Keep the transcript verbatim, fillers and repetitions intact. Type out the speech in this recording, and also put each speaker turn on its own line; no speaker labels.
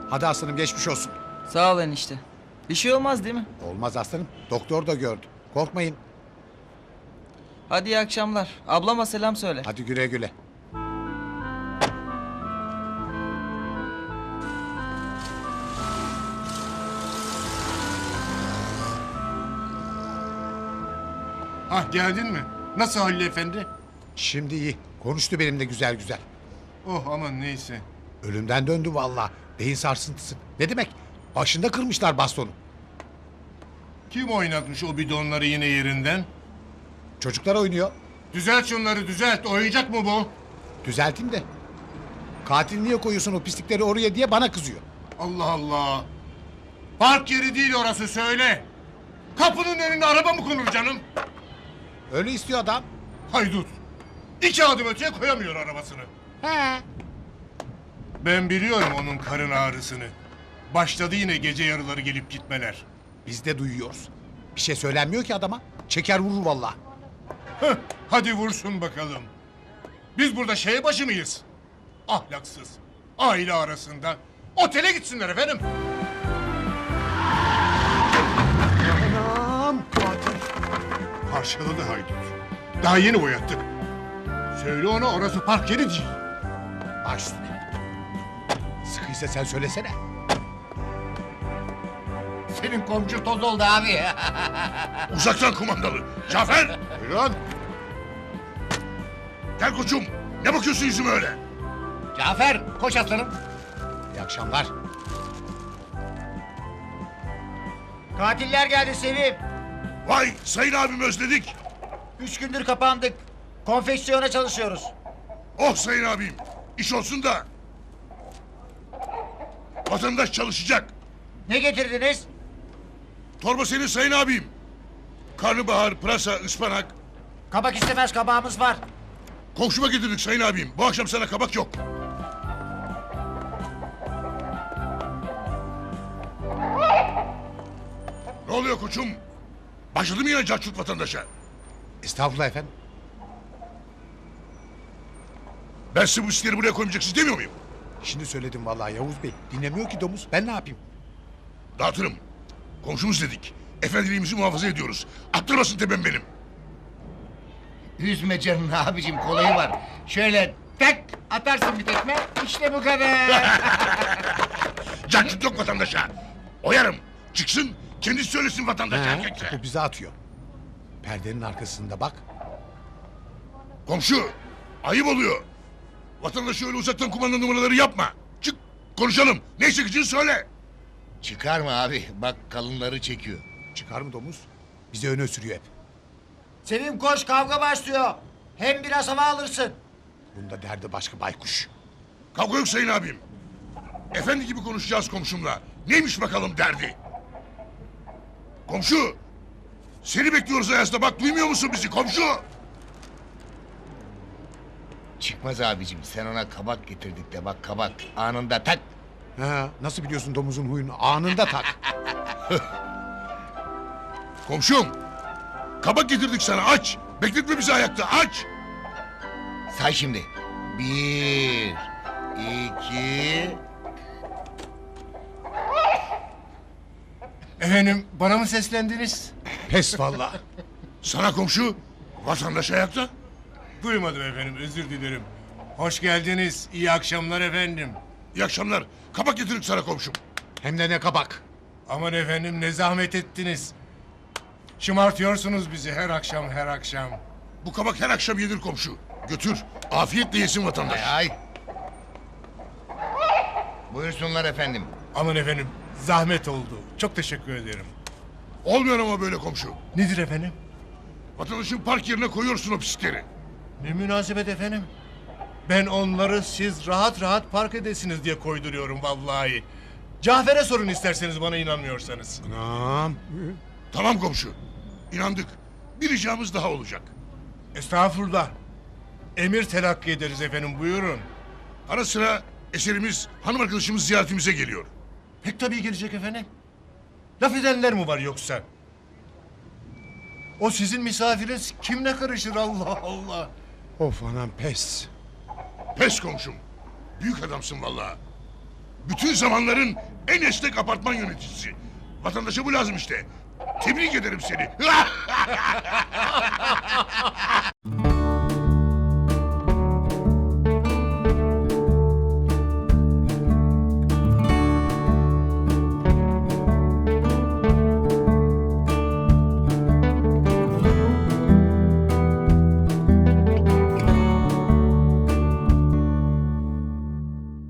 Hadi aslanım geçmiş olsun.
Sağ ol enişte. Bir şey olmaz değil mi?
Olmaz aslanım. Doktor da gördü. Korkmayın.
Hadi iyi akşamlar. Ablama selam söyle.
Hadi güle güle.
Hah geldin mi? Nasıl Halil Efendi?
Şimdi iyi. Konuştu benimle güzel güzel.
Oh aman neyse.
Ölümden döndü vallahi. Beyin sarsıntısı. Ne demek? Başında kırmışlar bastonu.
Kim oynatmış o bidonları yine yerinden?
Çocuklar oynuyor.
Düzelt şunları düzelt. Oyuncak mı bu?
Düzelteyim de. Katil niye koyuyorsun o pislikleri oraya diye bana kızıyor.
Allah Allah. Park yeri değil orası söyle. Kapının önüne araba mı konur canım?
Öyle istiyor adam.
Haydut. İki adım öteye koyamıyor arabasını.
He.
Ben biliyorum onun karın ağrısını. Başladı yine gece yarıları gelip gitmeler.
Biz de duyuyoruz. Bir şey söylenmiyor ki adama. Çeker vurur vallahi.
Heh, hadi vursun bakalım. Biz burada şeye başı mıyız? Ahlaksız. Aile arasında. Otele gitsinler efendim.
Anam.
Katil. Parçaladı haydut. Daha yeni boyattık. Söyle ona orası park yeri değil.
Baş üstüne. Sıkıysa sen söylesene.
Senin komşu toz oldu abi.
Uzaktan kumandalı. Cafer!
Buyurun.
Gel koçum. Ne bakıyorsun yüzüme öyle?
Cafer koş aslanım.
İyi akşamlar.
Katiller geldi Sevim.
Vay sayın abim özledik.
Üç gündür kapandık. Konfeksiyona çalışıyoruz.
Oh sayın abim. İş olsun da. Vatandaş çalışacak.
Ne getirdiniz?
Torba senin sayın abim. Karnabahar, pırasa, ıspanak.
Kabak istemez, kabağımız var.
Komşuma getirdik sayın abim. Bu akşam sana kabak yok. Ne oluyor koçum? Başladı mı yine cahçurt vatandaşa?
Estağfurullah efendim.
Ben size bu iskleri buraya koymayacaksınız demiyor muyum?
Şimdi söyledim vallahi Yavuz Bey. Dinlemiyor ki domuz. Ben ne yapayım?
Dağıtırım. Komşumuz dedik. Efendiliğimizi muhafaza ediyoruz. Attırmasın tepem benim.
Üzme canını abicim, kolayı var. Şöyle tak atarsın bir tekme. İşte bu kadar.
Cahçurt yok vatandaşa. Oyarım. Çıksın kendisi söylesin vatandaşa.
He, bu bize atıyor. Perdenin arkasında bak.
Komşu ayıp oluyor. Vatandaşı öyle uzaktan kumanda numaraları yapma. Çık konuşalım. Ne çekeceğini söyle.
Çıkarma abi, bak kalınları çekiyor.
Çıkar mı domuz? Bize öne sürüyor hep.
Sevim koş, kavga başlıyor. Hem biraz hava alırsın.
Bunda derdi başka baykuş.
Kavga yok sayın abim. Efendi gibi konuşacağız komşumla. Neymiş bakalım derdi? Komşu. Seni bekliyoruz Ayaz'da bak duymuyor musun bizi komşu?
Çıkmaz abicim, sen ona kabak getirdik de bak kabak. Anında tak.
Ha, nasıl biliyorsun domuzun huyunu? Anında tak.
Komşum. Kabak getirdik sana aç. Bekletme bizi ayakta aç.
Say şimdi. Bir, iki...
Efendim bana mı seslendiniz?
Pes vallahi.
Sana komşu. Vatandaş ayakta.
Duymadım efendim özür dilerim. Hoş geldiniz. İyi akşamlar efendim.
İyi akşamlar. Kabak getirdik sana komşum.
Hem de ne kabak.
Aman efendim ne zahmet ettiniz. Şımartıyorsunuz bizi her akşam her akşam.
Bu kabak her akşam yenir komşu. Götür. Afiyetle yesin vatandaş.
Ay ay. Buyursunlar efendim.
Aman efendim zahmet oldu. Çok teşekkür ederim.
Olmuyor ama böyle komşu.
Nedir efendim?
Vatandaşın park yerine koyuyorsun o pislikleri.
Ne münasebet efendim? Ben onları siz rahat rahat park edesiniz diye koyduruyorum vallahi. Cafer'e sorun isterseniz bana inanmıyorsanız.
Anam.
Tamam komşu. İnandık. Bir ricamız daha olacak.
Estağfurullah. Emir telakki ederiz efendim buyurun.
Ara sıra eserimiz hanım arkadaşımız ziyaretimize geliyor.
Pek tabii gelecek efendim. Laf edenler mi var yoksa? O sizin misafiriniz kimle karışır Allah Allah.
Of anam pes.
Pes komşum. Büyük adamsın vallahi. Bütün zamanların en esnek apartman yöneticisi. Vatandaşa bu lazım işte. Tebrik ederim seni.